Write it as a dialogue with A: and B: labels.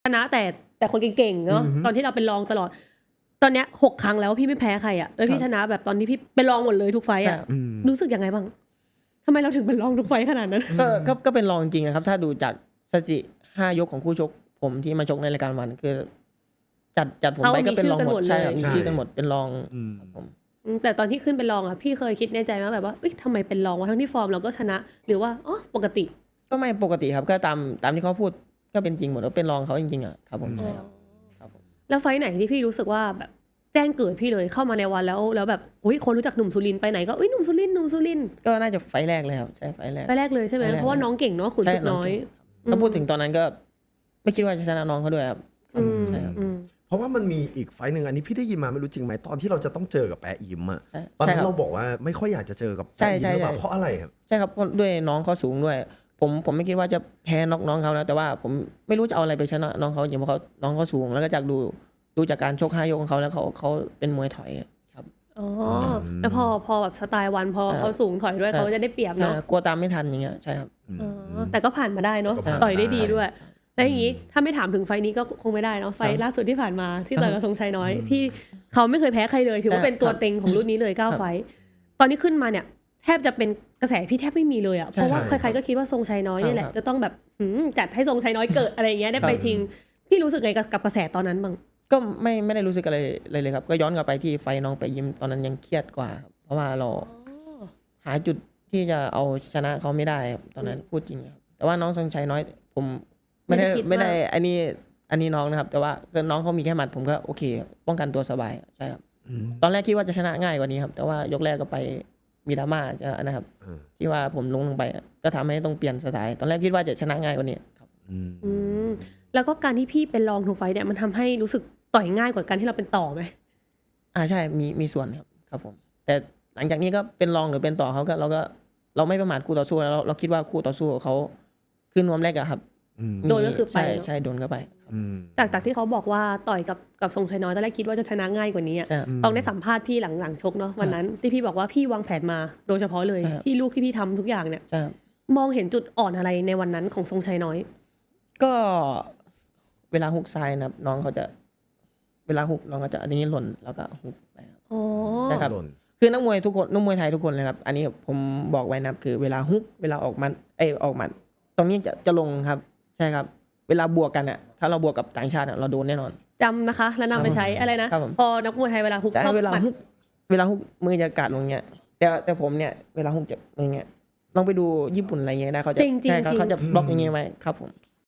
A: ชนะแต่คนเก่งๆเนาะตอนที่เราเป็นรองตลอดตอนเนี้ย6 ครั้งแล้วพี่ไม่แพ้ใครอ่ะแล้วพี่ชนะแบบตอนที่พี่เป็นรองหมดเลยทุกไฟต์อ่ะรู้สึกยังไงบ้างทำไมเราถึงเป็นรองทุกไฟต์ขนาดนั้น
B: ก็เป็นรองจริงนะครับถ้าดูจากสถิติ5 ยกของคู่ชกผมที่มาชกในรายการวันคือจัดผมไปก็เป็นรองหมดใช่มีชื่อกันหมดเป็นรองครับผม
A: แต่ตอนที่ขึ้นเป็นรองอ่ะพี่เคยคิดในใจมั้ยแบบว่าเอ้ยทำไมเป็นรองวะทั้งที่ฟอร์มเราก็ชนะหรือว่าอ๋อปกติ
B: ก็ไม่ปกติครับก็ตามที่เขาพูดก็เป็นจริงหมดว่าเป็นรองเขาจริงๆอ่ะครับผมใช่ครับผม
A: แล้วไฟต์ไหนที่พี่รู้สึกว่าแบบแจ้งเกิดพี่เลยเข้ามาในวันแล้วแบบอุ้ยคนรู้จักหนุ่มสุรินทร์ไปไหนก็อุ้ยหนุ่มสุรินทร์
B: ก็น่าจะไฟล์แรกเลยครับใช่ไฟล์แรก
A: เลยใช่ไหมเพราะว่าน้องเก่งเนาะขุนศึกน้อย
B: ถ้าพูดถึงตอนนั้นก็ไม่คิดว่าจะชนะน้องเขาด้วยครับใช่ครับ
C: เพราะว่ามันมีอีกไฟล์นึงอันนี้พี่ได้ยินมาไม่รู้จริงไหมตอนที่เราจะต้องเจอกับแปะอิมอ่ะตอนนั้นเราบอกว่าไม่ค่อยอยากจะเจอกับแปะอิมหรือเปล่าเพราะอะไรครับ
B: ใช่ครับด้วยน้องเขาสูงด้วยผมไม่คิดว่าจะแพ้น้องเขานะแต่ว่าผมไม่รู้จะเอาอะไรไปชนะน้องเขาจริงเพราะน้องเขาสูงแล้วก็จากดูจากการชก5 ยกของเขาแล้วเขาเป็นมวยถอยครับ
A: อ๋อแล้วพอแบบสไตล์วันพอเขาสูงถอยด้วยเขาจะได้เปรียบเนาะ
B: กลัวตามไม่ทันอย่างเงี้ยใช่ครับ
A: แต่ก็ผ่านมาได้เนาะต่อยได้ดีด้วยแล้วอย่างนี้ถ้าไม่ถามถึงไฟนี้ก็คงไม่ได้เนาะไฟล่าสุดที่ผ่านมาที่ต่อยกับทรงชัยน้อยที่เขาไม่เคยแพ้ใครเลยถือว่าเป็นตัวเต็งของรุ่นนี้เลย9 ไฟตอนนี้ขึ้นมาเนี่ยแทบจะเป็นกระแสพี่แทบไม่มีเลยอ่ะเพราะว่าใครๆก็คิดว่าทรงชัยน้อยนี่แหละจะต้องแบบจัดให้ทรงชัยน้อยเกิดอะไรอย่างเงี้ยได้ไปชิงพี่รู้สึกไงกับกระแสตอนนั้นบ้าง
B: ก็ไม่ได้รู้สึกอะไรเลยครับก็ย้อนกลับไปที่ไฟน้องไปยิ้มตอนนั้นยังเครียดกว่าครับเพราะว่าเราหาจุดที่จะเอาชนะเขาไม่ได้ตอนนั้นพูดจริงครับแต่ว่าน้องทรงชัยน้อยผมไม่ได้อันนี้น้องนะครับแต่ว่าคือน้องเขามีแค่หมัดผมก็โอเคป้องกันตัวสบายใช่ครับตอนแรกคิดว่าจะชนะง่ายกว่านี้ครับแต่ว่ายกแรกก็ไปมีดราม่าจะนะครับที่ว่าผมลงไปก็ทำให้ต้องเปลี่ยนสไตล์ตอนแรกคิดว่าจะชนะง่ายกว่านี้ครับ
A: แล้วก็การที่พี่เป็นรองทุกไฟเนี่ยมันทำให้รู้สึกต่อยง่ายกว่าการที่เราเป็นต่อไหม
B: ใช่มีส่วนครับผมแต่หลังจากนี้ก็เป็นรองหรือเป็นต่อเขาก็เราไม่ประมาทคู่ต่อสู้แล้วเราคิดว่าคู่ต่อสู้เขาขึ้นนวมแรกอะครับ
A: โดนก็คือไป
B: ใช่โดนเข้าไป
A: จากที่เขาบอกว่าต่อยกับทรงชัยน้อยตอนแรกคิดว่าจะชนะง่ายกว่านี้ต้องได้สัมภาษณ์พี่หลังชกเนาะวันนั้นที่พี่บอกว่าพี่วางแผนมาโดยเฉพาะเลยที่ลูกที่พี่ทำทุกอย่างเนี่ยมองเห็นจุดอ่อนอะไรในวันนั้นของทรงชัยน้อย
B: ก็เวลาฮุกซ้ายนะน้องเขาจะเวลาฮุกน้องเขาจะอันนี้หล่นแล้วก็ฮุกไปครับใช่ครับคือนักมวยทุกคนนักมวยไทยทุกคนเลยครับอันนี้ผมบอกไว้นะคือเวลาฮุกเวลาออกมันตรงนี้จะลงครับใช่ครับเวลาบวกกันอ่ะถ้าเราบวกกับต่างชาติเราโดนแน่นอน
A: จำนะคะแล้วนำไปใช้อะไรนะพอนักมวยไทยเวลาฮุก
B: เวลาฮุกมือจะกัดลงเงี้ยแต่ผมเนี่ยเวลาฮุกจะอย่างเงี้ยลองไปดูญี่ปุ่นอะไรเงี้ยได้เขาจะใช่เขาจะบล็อกอย่างเงี้ยไว้ครับผม